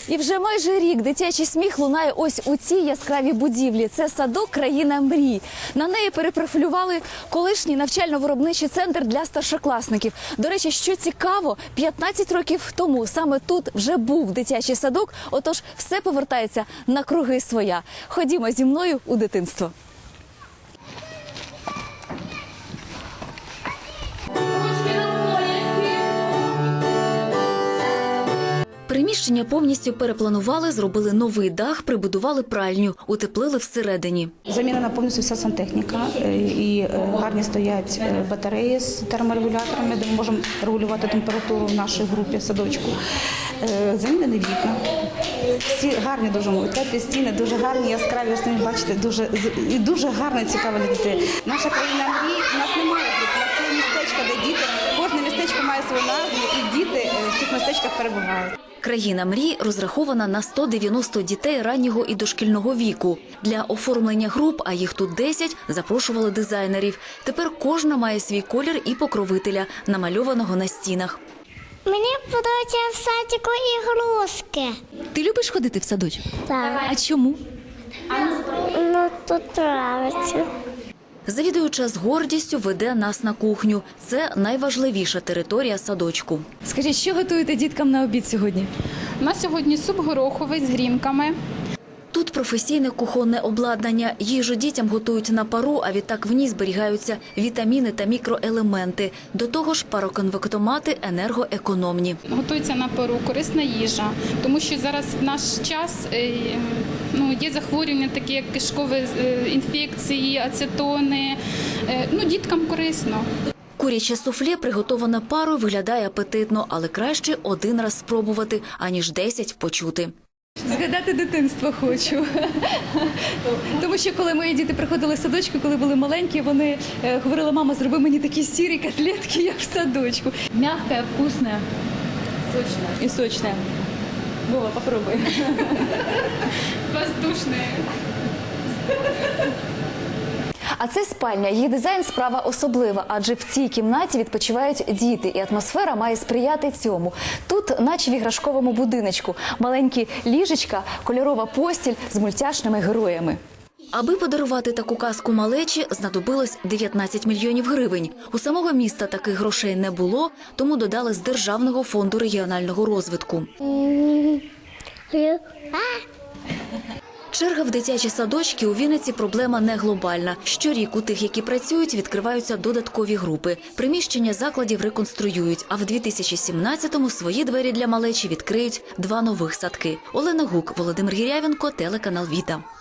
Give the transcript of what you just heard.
І вже майже рік дитячий сміх лунає ось у цій яскравій будівлі. Це садок «Країна мрій». На неї перепрофілювали колишній навчально-виробничий центр для старшокласників. До речі, що цікаво, 15 років тому саме тут вже був дитячий садок, отож все повертається на круги своя. Ходімо зі мною у дитинство. Приміщення повністю перепланували, зробили новий дах, прибудували пральню, утеплили всередині. Замінена повністю вся сантехніка і гарні стоять батареї з терморегуляторами, де ми можемо регулювати температуру в нашій групі садочку. Замінені вікна. Всі гарні дуже умови, теплі стіни, дуже гарні, яскраві, ось самі бачите, дуже гарно і цікаво для дітей. Наша країна мрій, у нас немає груп, у нас є містечко, де діти, кожне містечко має свою назву і діти в цих містечках перебувають. «Країна мрій» розрахована на 190 дітей раннього і дошкільного віку. Для оформлення груп, а їх тут 10, запрошували дизайнерів. Тепер кожна має свій колір і покровителя, намальованого на стінах. Мені подобається в садіку ігрушки. Ти любиш ходити в садочок? Так. А чому? Ну, тут подобається. Завідуюча з гордістю веде нас на кухню. Це найважливіша територія садочку. Скажіть, що готуєте діткам на обід сьогодні? У нас сьогодні суп гороховий з грінками. Тут професійне кухонне обладнання. Їжу дітям готують на пару, а відтак в ній зберігаються вітаміни та мікроелементи. До того ж, пароконвектомати енергоекономні. Готується на пару, корисна їжа, тому що зараз в наш час є захворювання такі, як кишкові інфекції, ацетони. Діткам корисно. Куряче суфле, приготоване парою, виглядає апетитно, але краще один раз спробувати, аніж 10 почути. Згадати дитинство хочу. Тому що коли мої діти приходили в садочку, коли були маленькі, вони говорили: мама, зроби мені такі сірі котлетки, як в садочку. М'яке, вкусне. Сочне. І сочне. Вова, попробуй. Воздушне. А це спальня. Її дизайн – справа особлива, адже в цій кімнаті відпочивають діти, і атмосфера має сприяти цьому. Тут, наче в іграшковому будиночку, маленькі ліжечка, кольорова постіль з мультяшними героями. Аби подарувати таку казку малечі, знадобилось 19 мільйонів гривень. У самого міста таких грошей не було, тому додали з Державного фонду регіонального розвитку. Черга в дитячі садочки у Вінниці – проблема не глобальна. Щорік у тих, які працюють, відкриваються додаткові групи. Приміщення закладів реконструюють, а в 2017-му свої двері для малечі відкриють 2 нових садки. Олена Гук, Володимир Гірявенко, телеканал «Віта».